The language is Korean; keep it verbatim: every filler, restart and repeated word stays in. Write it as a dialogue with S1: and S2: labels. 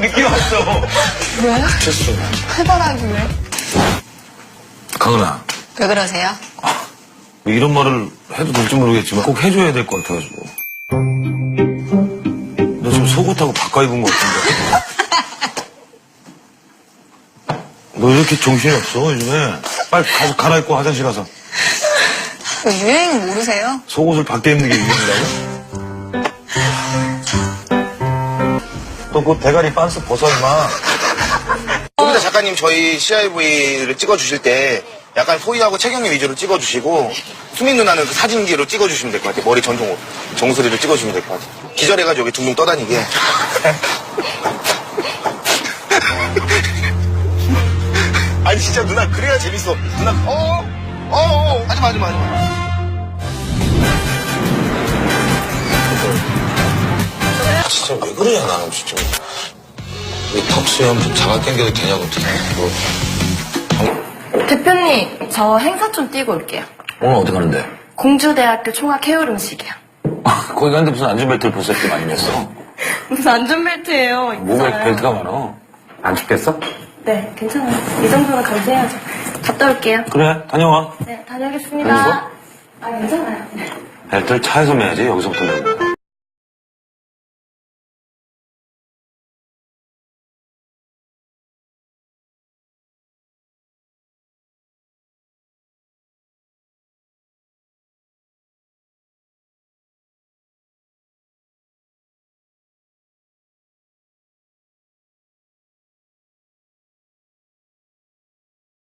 S1: 느낌 왔어.
S2: 왜?
S1: 됐어.
S2: 해바라기 왜?
S1: 강은아.
S2: 왜 그러세요?
S1: 뭐 이런 말을 해도 될지 모르겠지만 꼭 해줘야 될 것 같아가지고. 너 지금 속옷하고 바꿔 입은 것 같은데. 너 이렇게 정신이 없어 요즘에. 빨리 가서 갈아입고 화장실 가서.
S2: 그 유행 모르세요?
S1: 속옷을 밖에 입는 게 유행이라고? 너 그 대가리 빤스 벗어 임마.
S3: 여기다 작가님 저희 씨아이브이를 찍어주실 때 약간 소희하고 채경이 위주로 찍어주시고 수민 누나는 그 사진기로 찍어주시면 될 것 같아요. 머리 전종으로 정수리를 찍어주시면 될 것 같아요. 기절해가지고 여기 둥둥 떠다니게. 아니 진짜 누나 그래야 재밌어. 누나 어어 어, 어, 하지마 하지마 하지마.
S1: 진짜 왜 그러냐 나는 진짜. 이 턱수염 좀 자가 당겨도 되냐고. 뭐.
S4: 대표님, 저 행사 좀 뛰고 올게요.
S1: 오늘 어디 가는데?
S4: 공주대학교 총학 해울 음식이요.
S1: 거기 갔는데 무슨 안전벨트를 벗을 게 많이 냈어?
S4: 무슨 안전벨트예요.
S1: 몸에
S4: 있잖아요.
S1: 벨트가 많아. 안 춥겠어?
S4: 네, 괜찮아요. 이 정도는 감수해야죠. 갔다 올게요.
S1: 그래 다녀와.
S4: 네, 다녀오겠습니다. 아, 괜찮아요.
S1: 벨트를 차에서 매야지 여기서부터 매고.